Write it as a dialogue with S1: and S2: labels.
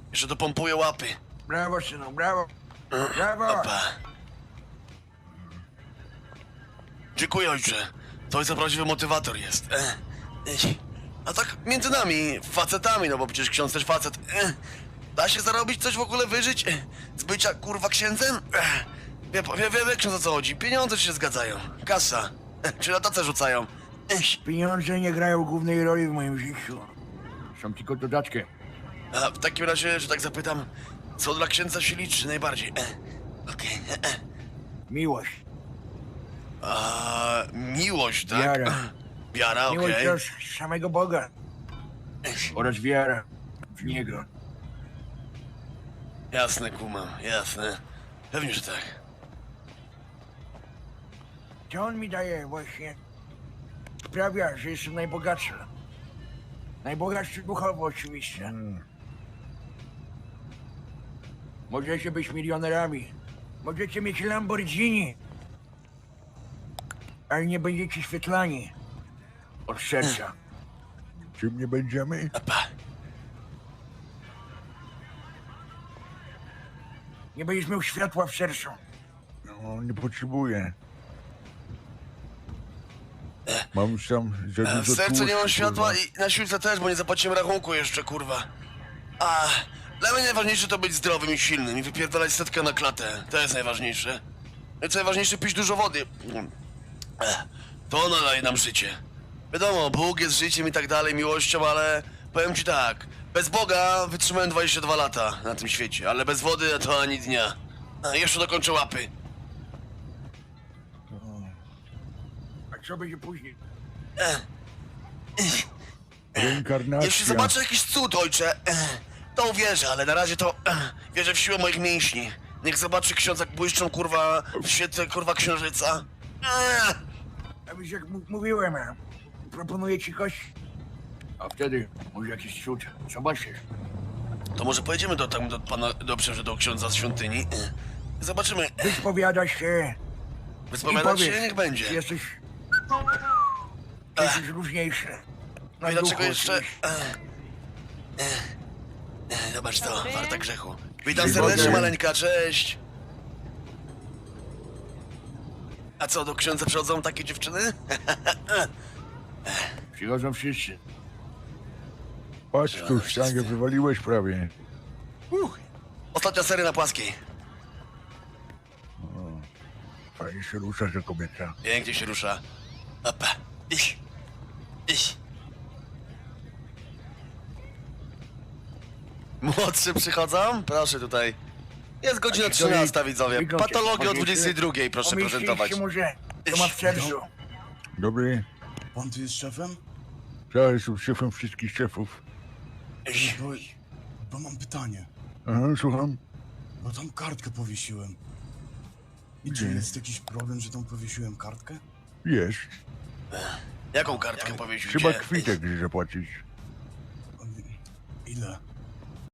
S1: Jeszcze dopompuję łapy.
S2: Brawo, synu, brawo. Brawo.
S1: Opa. Dziękuję, ojcze. To ojca prawdziwy motywator jest. A tak między nami, facetami, no bo przecież ksiądz też facet. Da się zarobić coś w ogóle, wyżyć? Z bycia, kurwa, księdzem? Wie ksiądz o co chodzi. Pieniądze ci się zgadzają. Kasa. Czy na tace rzucają.
S2: Pieniądze nie grają głównej roli w moim życiu. Są tylko dodatkiem.
S1: A w takim razie, że tak zapytam, co dla księdza się liczy najbardziej? Okej.
S2: Miłość.
S1: Miłość, tak?
S2: Wiara.
S1: Wiara,
S2: Miłość
S1: okej.
S2: do samego Boga. Oraz wiara w Niego.
S1: Jasne, kumam, jasne. Pewnie, że tak.
S2: To On mi daje właśnie. Sprawia, że jestem najbogatszy. Najbogatszy duchowo oczywiście. Możecie być milionerami. Możecie mieć Lamborghini. Ale nie będziecie świetlani. Od serca.
S3: Czym nie będziemy?
S1: Opa.
S2: Nie będziesz miał światła w sercu.
S3: No, nie potrzebuję. Mam już tam za dużo
S1: W sercu nie mam
S3: tłuszczu,
S1: światła
S3: kurwa.
S1: i na siłce też, bo nie zapłaciłem rachunku jeszcze, kurwa. Dla mnie najważniejsze to być zdrowym i silnym i wypierdalać setkę na klatę. To jest najważniejsze. I co najważniejsze, pić dużo wody. To ona daje nam życie. Wiadomo, Bóg jest życiem i tak dalej, miłością, ale powiem ci tak. Bez Boga wytrzymałem 22 lata na tym świecie, ale bez wody to ani dnia. Jeszcze dokończę łapy.
S2: A co będzie później?
S3: Reinkarnacja.
S1: Jeśli zobaczę jakiś cud, ojcze, to uwierzę, ale na razie to wierzę w siłę moich mięśni. Niech zobaczy ksiądz, jak błyszczą, kurwa, w świetle, kurwa, księżyca.
S2: A więc jak mówiłem, proponuję ci kość. A wtedy może jakiś cud. Zobaczysz.
S1: To może pojedziemy do pana, do księdza z świątyni. Zobaczymy.
S2: Wyspowiadasz się i
S1: Wyspowiadać
S2: powiesz,
S1: się? Niech będzie.
S2: czy jesteś różniejszy.
S1: No i
S2: Na
S1: dlaczego
S2: duchu
S1: jeszcze...
S2: oczywiście.
S1: Zobacz to, warta grzechu. Witam
S3: Dzień
S1: serdecznie,
S3: dobry.
S1: maleńka, cześć. A co, do księdza przychodzą takie dziewczyny?
S2: Przychodzą wszyscy.
S3: Patrz tu, sztangę wywaliłeś prawie.
S1: Ostatnia seria na płaskiej.
S3: Fajnie się rusza, że kobieta.
S1: Pięknie się rusza. Opa. Iś. Iś. Młodszy przychodzą? Proszę tutaj. Jest godzina 13, widzowie.
S2: Wyglądzie.
S1: Patologię o
S2: Pomieścić-
S1: 22, proszę
S2: pomieścić
S1: prezentować.
S2: się może, to ma w sercu.
S3: Dobry.
S4: Pan tu jest szefem?
S3: Ja jestem szefem wszystkich szefów.
S1: Iś.
S4: Bo mam pytanie.
S3: Aha, słucham.
S4: Bo tam kartkę powiesiłem. I czy jest jakiś problem, że tam powiesiłem kartkę?
S3: Jest.
S1: Jaką kartkę powiesił
S3: Trzeba
S1: cię?
S3: kwitek zapłacić.
S4: Ile?